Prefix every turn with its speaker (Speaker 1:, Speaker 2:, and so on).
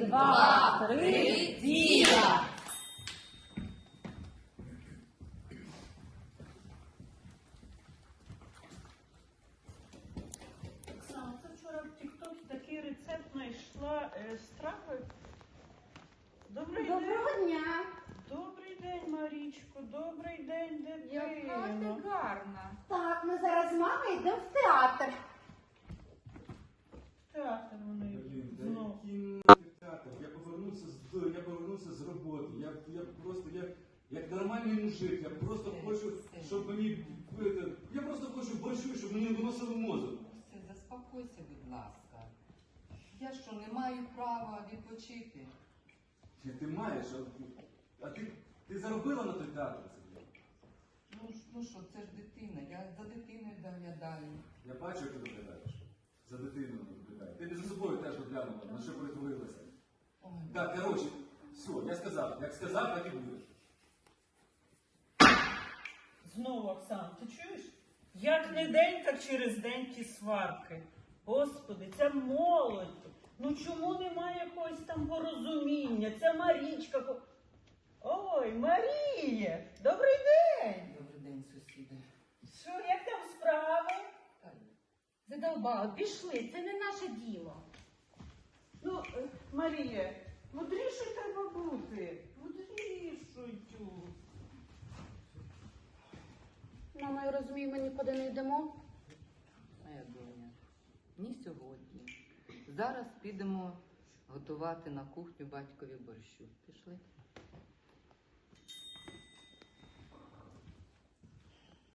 Speaker 1: два, три, дія!
Speaker 2: Оксана, це вчора в Тік-Токі такий рецепт знайшла страви. Добрий день.
Speaker 3: Доброго дня!
Speaker 2: Добрий день, Марічко. Добрий день,
Speaker 4: Яка ти
Speaker 2: дитино.
Speaker 4: гарна.
Speaker 3: Так, ми зараз з мамою йдемо в театр.
Speaker 2: Театр вони
Speaker 5: Блін,
Speaker 2: знову.
Speaker 5: театр. Я повернувся з роботи. Я просто, як нормальний мужик, я просто хочу, щоб мені, я просто хочу борщу, щоб мені виносили мозок.
Speaker 4: Все, заспокойся, будь ласка. Я що, не маю права відпочити?
Speaker 5: Ти маєш, а ти заробила на той театр?
Speaker 4: Ну що, це ж дитина, я за дитиною доглядаю.
Speaker 5: Я бачу, як ти доглядаєш. За дитиною доглядаєш. Ти не за собою теж доглянула, на що перетворилася.
Speaker 4: Ой,
Speaker 5: Так, коротше, все, я сказав. Як сказав, так і буде.
Speaker 2: Знову, Оксана, ти чуєш? Як не день, так через день ті сварки. Господи, це молодь. Ну чому немає якогось там порозуміння? Це Марічка. Ой, Маріє, добрий день.
Speaker 4: добрий день, сусіди.
Speaker 2: Що, як там справи?
Speaker 3: Задовбали, пішли, це не наше діло.
Speaker 2: Ну, Марія, мудрішою треба бути. Мудрішою.
Speaker 3: Мама, я розумію, ми нікуди не йдемо.
Speaker 4: Моя доня, ні сьогодні. Зараз підемо готувати на кухню батькові борщу. Пішли?